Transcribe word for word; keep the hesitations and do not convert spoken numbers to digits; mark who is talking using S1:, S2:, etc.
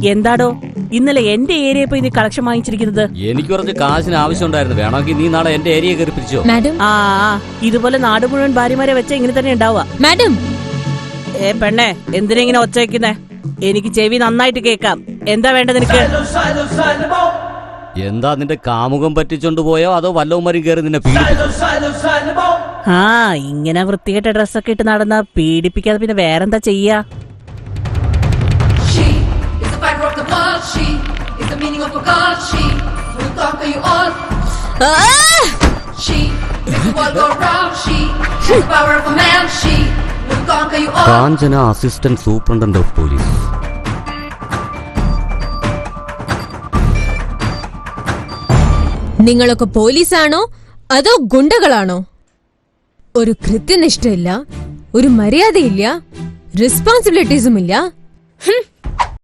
S1: എന്താടോ ഇന്നലെ എന്റെ ഏരിയ പോയി നീ കളക്ഷൻ വാങ്ങിച്ചിരിക്കുന്നത്?
S2: എനിക്ക് കുറച്ച് കാശിന് ആവശ്യം ഉണ്ടായിരുന്നു. വേണമെങ്കിൽ നീ നാളെ എന്റെ ഏരിയ കയറി പിടിച്ചോ.
S3: മാഡം,
S1: ആ ഇതുപോലെ നാട് മുഴുവൻ ഭാര്യമാരെ വെച്ച ഇങ്ങനെ തന്നെ ഉണ്ടാവുക.
S3: മാഡം.
S1: ഏ പെണ്ണെ, എന്തിനാ ഇങ്ങനെ ഒച്ച വെക്കുന്നേ? എനിക്ക് ചെവി നന്നായിട്ട് കേക്കാം. എന്താ വേണ്ടത് നിനക്ക്?
S2: എന്താ നിന്റെ കാമുകം പറ്റിച്ചോണ്ട് പോയോ അതോ വല്ലവന്മാരും കയറി നിന്നെ പീഡിപ്പിച്ചോ?
S1: ആ ഇങ്ങനെ വൃത്തികെട്ട ഡ്രസ്സൊക്കെ ഇട്ട് നടന്ന പീഡിപ്പിക്കാതെ പിന്നെ വേറെന്താ ചെയ്യാ?
S2: Kanchana assistant superintendent of police.
S3: നിങ്ങളൊക്കെ പോലീസാണോ അതോ ഗുണ്ടകളാണോ? ഒരു കൃത്യനിഷ്ഠയില്ല, ഒരു മര്യാദയില്ല, റെസ്പോൺസിബിലിറ്റീസും ഇല്ല.